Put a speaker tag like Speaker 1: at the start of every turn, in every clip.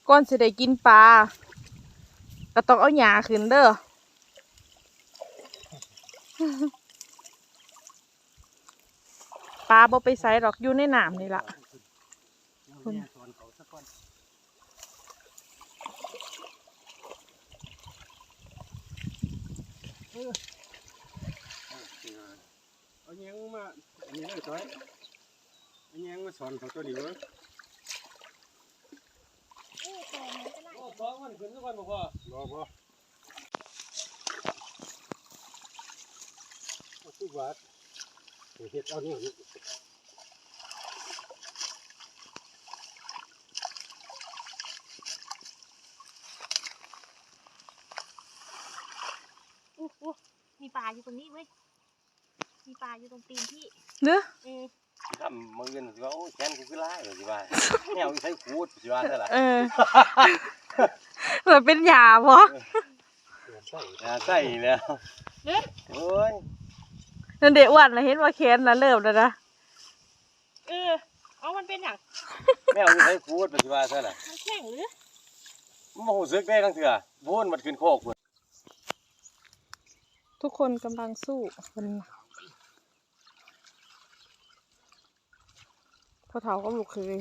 Speaker 1: ก่อนสิได้กินปลาก็ต้องเอาหญ้าขึ้นเด้อปลาบ่ไปไสหรอกอยู่ในน้ำนี่ล่ะคุณ
Speaker 2: เอาแยงมาอันนี้เลยจ้อยเอาแยงมาสอนเขาตัวนี้เว้ยสองมันขึ้นทุกวันบ่พอบ่ทุกวัดเฮ็ดเอาเนี่ย
Speaker 3: มีปลาอยู่ตรงนี้เว้ยมีปลาอยู่ตรงตีนพี่
Speaker 1: เด้อ
Speaker 2: ทำมือเงินสิว่าโอ้แขนกูคือลายเลยสิว่าแนวใช้ขูดสิว่าซะล่ะ
Speaker 1: เหมือนเป็นหญ้าบ่
Speaker 2: ใส่แล้วโอ้ย
Speaker 1: นั่นเด็กอ้วนนะเห็นว่าแขนนะเริ่มแล้วนะ
Speaker 3: เอามันเป็นอย่าง
Speaker 2: แนวใช้ขูดสิว่าซะล่ะ
Speaker 3: มันแข็งหรือ
Speaker 2: มันบ่รู้สึกได้ทั้งเถื่อบ่นมันขึ้นโคกพุ่น
Speaker 1: ทุกคนกำลังสู้มันพ่อเฒ่าก็ลูกเคย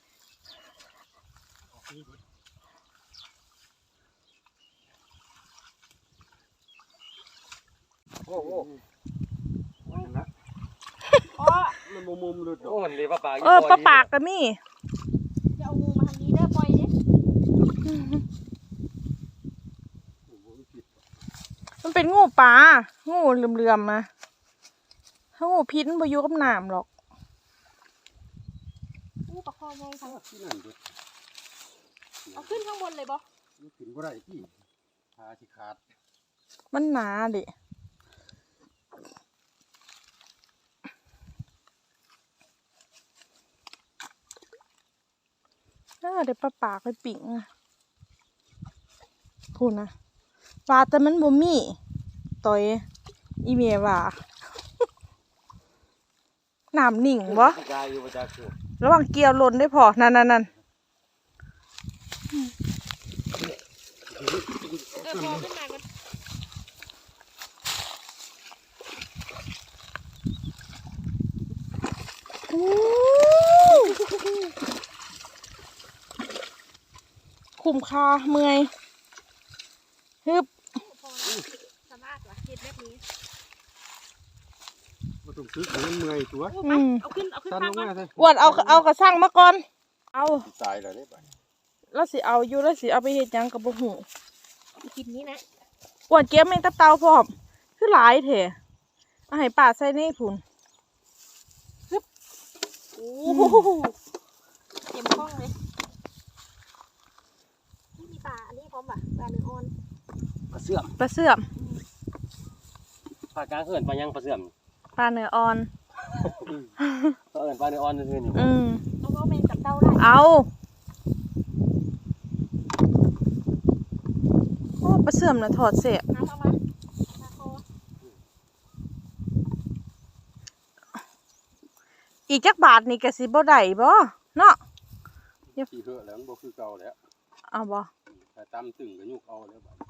Speaker 2: โอ้นะมันมุมหลุดโอ้มันเลยปลาปาก
Speaker 1: ปลาปากกันนี่
Speaker 3: จะเอางูมาทางนี้เด้อปล่อยดิ
Speaker 1: มันเป็นงูปลางูเหลื่อมๆมาถ้างูพิษมันบ่อยู่กับน้ำหรอก
Speaker 3: งูปลาคอไงคะเอาขึ้นข้างบนเลยบ่
Speaker 2: ขึ้นบ่ได้ที่ขาสิขาด
Speaker 1: มันหนาดิเดี๋ยวปลาปากไปปิ่งพูดนะปลาแต่มันบ่มีต่อยอีเมียว่าน้ำนิ่งบ่ระหว่างเกี่ยวหล่นได้พอนั่นพอ
Speaker 3: ขึ้นมากัน
Speaker 1: คุ้มค่าเมื่อยฮึบ
Speaker 3: สามารถวะเห็ดแบบนี้
Speaker 2: มาตุ่มซื้อของเมื่อยตัว
Speaker 3: เอาขึ้นข้างก่อน
Speaker 1: อ้วนเอากระสั่งมาก่อนเอา
Speaker 2: ตายแล้วนี่ไป
Speaker 1: แล้วสิเอาอยู่แล้วสิเอาไปเฮ็ดหยังกับบ่ฮู้
Speaker 3: กินนี้นะ
Speaker 1: อ้วนเก็บแมงตับเต่าพร้อมคือหลายแท้เอาให้ป้าใส่ในพุ่นฮึบ
Speaker 3: โอ้เต็มห้องเลยมีปลาอันนี้พร้อมป่ะปลาเนื้ออ่อน
Speaker 2: ปลาเสื่อม
Speaker 1: ปลาเสื่อม
Speaker 2: ปลากลางเขื่อนปลายังปลาเสื่อม
Speaker 1: ปลาเนื้ออ่อน
Speaker 2: ปลาเอิญปลาเนื้ออ่อนซื่อๆอยู่
Speaker 3: เอาแมงกับเต้าได้
Speaker 1: เอาโอ้ปลาเสื่อมน่ะถอดเสียอีกจักบาทนี่ก็สิบ่ได้บ่เนาะ
Speaker 2: สิเหอะแล้วมันบ่คือเก่าแล้ว
Speaker 1: เอาบ่
Speaker 2: แต่ตำตึงก็ยุกเอาแล้วบัด